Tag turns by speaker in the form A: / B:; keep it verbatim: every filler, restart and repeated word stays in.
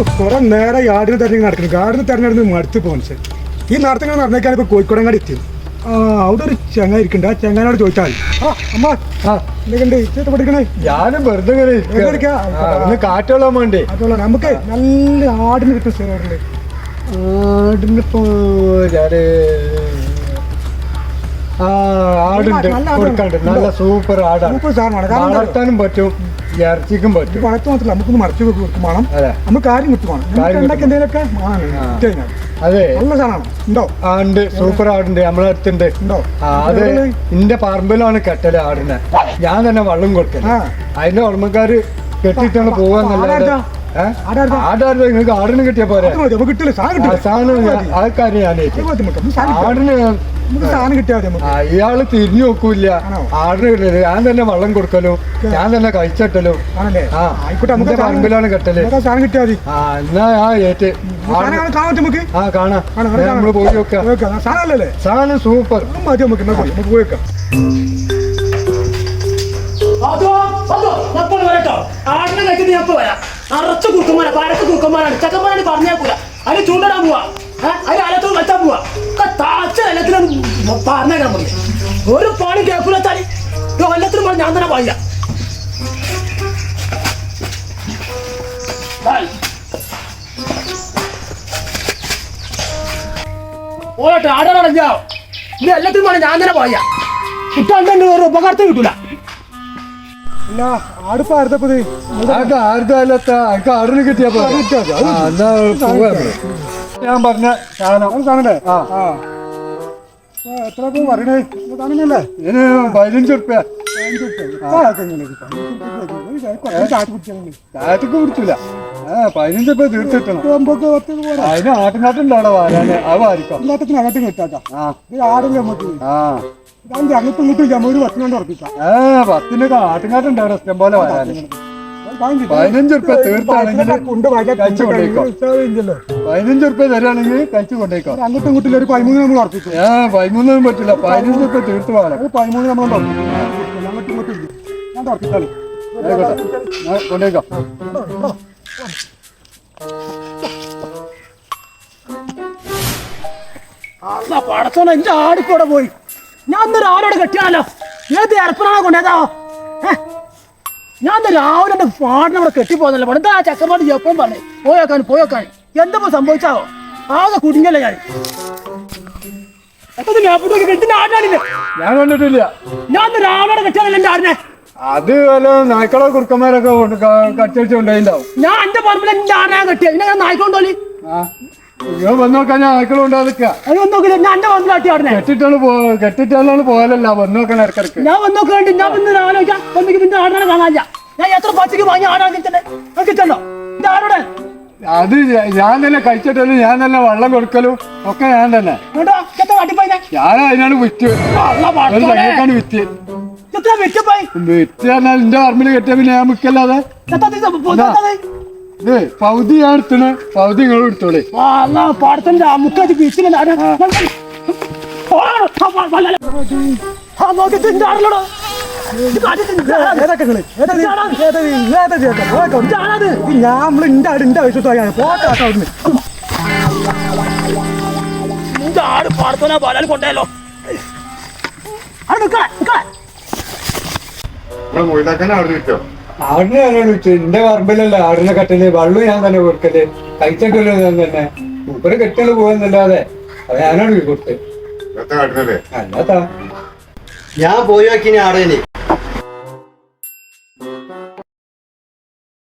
A: കുറെ നേരം യാർഡിന് തെരഞ്ഞെടുപ്പ് നടക്കുന്നു. ഗാർഡിന് തെരഞ്ഞെടുപ്പ് മടുത്ത് പോകുന്നത്. ഈ നടത്തിങ്ങനെ നടന്നേക്കാൻ ഇപ്പൊ കോഴിക്കോടങ്ങാടി എത്തിയത്. ആ അവിടെ ഒരു ചങ്ങ ഇരിക്കണ്ട. ആ ചങ്ങനോട് ചോദിച്ചാൽ ആ അമ്മ എന്തൊക്കെയുണ്ട് ഇച്ചത്തെ പഠിക്കണേ?
B: ഞാനും വെറുതെ കാറ്റോളാൻ വേണ്ടി.
A: അതുള്ള നമുക്ക് നല്ല ആടിന് കിട്ടും സ്ഥലം.
B: ആടിനിപ്പോ ഞാന് ആ ആടുണ്ട് കൊടുക്കാണ്ട്. നല്ല സൂപ്പർ ആടാണ്.
A: സൂപ്പർ സാധനമാണ്.
B: വളർത്താനും പറ്റും, ഇറച്ചിക്കും പറ്റും.
A: വളർത്തു മാത്രമല്ല നമുക്കൊന്ന് മറച്ചു കൊടുക്കും വേണം. നമുക്ക് കാര്യം കിട്ടുവാണ്. എന്തെങ്കിലുമൊക്കെ
B: അതെ
A: നല്ല സാധനമാണ്. ഉണ്ടോ?
B: ആ ഉണ്ട്. സൂപ്പർ ആടുണ്ട് നമ്മളെ അടുത്തുണ്ട്.
A: ഉണ്ടോ?
B: അത് എന്റെ പറമ്പിലാണ് കെട്ടല് ആടിനെ. ഞാൻ തന്നെ വെള്ളം കൊടുക്കല്. അതിന്റെ ഉടമക്കാര് കെട്ടിട്ടാണ് പോവാന്നല്ലാതെ ആടാരുടെ നിങ്ങൾക്ക് ആടിന് കിട്ടിയ പോരെ. സാധനം ആ കാര്യം ഞാൻ ആടിന്
A: സാധനം കിട്ടിയാൽ
B: ഇയാള് തിരിഞ്ഞു നോക്കൂല. ആടിന് കിട്ടിയത് ഞാൻ തന്നെ വെള്ളം കൊടുക്കലും ഞാൻ തന്നെ കഴിച്ചിട്ടലും. ആ ആയിക്കോട്ടെ. പറമ്പിലാണ് കെട്ടല്.
A: സാധനം കിട്ടിയാൽ മതി.
B: ആ എന്നാ ആ ഏറ്റ്
A: നമുക്ക്
B: ആ കാണാം. നമ്മള് പോയി വെക്കാം.
A: സാധനല്ലേ?
B: സാധനം സൂപ്പർ.
A: മതി. നമുക്ക് നമുക്ക് പോയി വെക്കാം.
C: ആടിനെ കഴിച്ചിട്ട് ഞാൻ വരാം. അറച്ച കുറുക്കന്മാരാ, പരക്ക് കുറുക്കന്മാരാണ്. ചക്കന്മാരാണ് പറഞ്ഞേക്കൂല. അതിന് ചൂണ്ടിടാൻ പോവാ. അതിന് അലത്തോട് വെച്ചാൽ പോവാ. താച്ച എല്ലാത്തിനും പറഞ്ഞേക്കാൻ മതി. ഒരു പണി കേൾക്കൂലെത്താല് എല്ലാത്തിനും പറഞ്ഞ് ഞാൻ തന്നെ പായില്ല. ഓട്ടെ ആടാടഞ്ഞോ ഇത് എല്ലാത്തിനും പറഞ്ഞ് ഞാൻ തന്നെ പായില്ല. കിട്ടാണ്ട് ഒരു ഉപകാരത്തിന് കിട്ടൂല.
A: ആടിപ്പോ ആർത്തപ്പത്
B: ആടിന് കിട്ടിയ ഞാൻ പറഞ്ഞ സാധനം
A: സാധനല്ലേ? എത്ര പറയണേ? സാധനല്ലേ?
B: ഇതിന് പതിനഞ്ച് റുപ്യ. ചാറ്റക്ക് കുടിച്ചില്ല. ആ പതിനഞ്ച് റുപ്യ തീർത്തിട്ടണം. അതിന് ആട്ടിനാട്ടുണ്ടോ വാരാന്? അത് വാരിക്കാം.
A: എല്ലാത്തിനും കിട്ടാക്കാം. ആടില്ല നമുക്ക്.
B: ആ
A: അങ്ങോട്ടും ഇങ്ങോട്ടും ഒരു പത്തിനോണ്ട് ഉറപ്പിക്കാം.
B: ഏ പത്തിനൊക്കെ ആട്ടിനാട്ടുണ്ടാവും ഇഷ്ടം പോലെ വരാന്. പതിനഞ്ച് റുപ്യ തീർത്താണെങ്കിൽ കഴിച്ചു കൊണ്ടേക്കോ. പതിനഞ്ച് റുപ്യ തരാണെങ്കിൽ കഴിച്ചു കൊണ്ടേക്കോ.
A: അങ്ങോട്ടും ഇങ്ങോട്ടും ഒരു പതിമൂന്ന് നമ്മൾ ഉറപ്പിക്കും.
B: ഏ പതിമൂന്നൊന്നും പറ്റില്ല. പതിനഞ്ച് റുപ്യ തീർത്ത് വേണം.
A: പതിമൂന്ന് നമ്മൾ അങ്ങോട്ടും ഇങ്ങോട്ടും ഞാൻ ഉറപ്പിച്ചാലും
B: കൊണ്ടേക്കോ.
C: അല്ല പടച്ചോനെ എന്റെ ആടിക്കൂടെ പോയി. ഞാൻ ഇന്ന് രാവിലെ കെട്ടിയാലോ? ഏത് ഇറപ്പനാണോ കൊണ്ടേതാ? ഞാൻ ഇന്ന് രാവിലെ എന്റെ പാടിനെ അവിടെ കെട്ടിപ്പോന്നല്ലോ. എന്താ ചക്കപ്പാട് എപ്പോഴും പറഞ്ഞു പോയേക്കാൻ പോയേക്കാൻ. എന്തപ്പോ സംഭവിച്ചാവോ? ആകെ കുടുങ്ങല്ലേ ഞാൻ. ആടിനാണില്ലേ?
B: ഞാൻ കണ്ടിട്ടില്ല.
C: ഞാൻ ഇന്ന് രാവിലെ കെട്ടിയാലല്ലോ എന്റെ ആടിനെ.
B: അത് വല്ല നായ്ക്കളോ കുറുക്കന്മാരൊക്കെ കച്ചടിച്ച് കൊണ്ടുപോയിണ്ടാവും.
C: ഞാൻ എന്റെ പറമ്പിൽ എന്റെ ആടിനെ കെട്ടിയ പിന്നെ ഞാൻ നായ്ക്കൊണ്ടോലി
B: ഞാൻ വന്ന് നോക്കാൻ ഞാൻ നായ്ക്കളും ഉണ്ടാകുക.
C: അത് വന്ന് നോക്കില്ല. ഞാൻ എന്റെ പറമ്പിൽ ആട്ടി ആടിനെ
B: കെട്ടിട്ടാണ് പോ കെട്ടിട്ടാണ് പോയാലല്ല വന്ന് നോക്കാൻ ഇടക്കിടക്ക്.
C: ഞാൻ വന്ന് നോക്കേണ്ടി ഞാൻ പിന്നെ ആലോചിക്കാം. വന്നിക്ക് പിന്നെ ആടിനെ കാണാനില്ല. ഞാൻ എത്ര പച്ചക്ക് വാങ്ങി ആടാക്കി തന്നെ കിട്ടണ്ടോ എന്റെ ആടോടെ?
B: അത് ഞാൻ തന്നെ കഴിച്ചിട്ടല്ലോ. ഞാൻ തന്നെ വെള്ളം കൊടുക്കലും ഒക്കെ ഞാൻ തന്നെ. ഞാൻ അതിനാണ് വിറ്റ് ാണ് വിറ്റ് വിറ്റ് പറഞ്ഞാൽ എന്റെ പറമ്പിൽ കെട്ടിയ പിന്നെ ഞാൻ വിൽക്കല്ലാതെ. ഇത് പൗതി ഞാൻ എടുത്തണ്. പൗതി നിങ്ങൾ എടുത്തോളേ.
C: പാടത്തിന്റെ മുക്കാറ്റ് ബീച്ചിൽ
A: ഞാനിന്റെ ആടിന്റെ ആവശ്യത്തോടെ പോട്ടെ.
C: നിന്റെ ആട് പാടത്തോനാ പാലാൽ കൊണ്ടല്ലോ.
B: ആടിനെ ഞാനാണ് വിറ്റു. എന്റെ പറമ്പിലല്ല ആടിനെ കെട്ടല്. വെള്ളം ഞാൻ തന്നെ കൊടുക്കല്. കഴിച്ചിട്ടല്ലോ ഞാൻ തന്നെ. മൂപ്പര് കെട്ടല് പോകുന്നല്ലാതെ അത് ഞാനാണ് കൊടുത്തത്. അല്ലാത്ത
D: ഞാൻ പോയി നോക്കിനി ആടേന്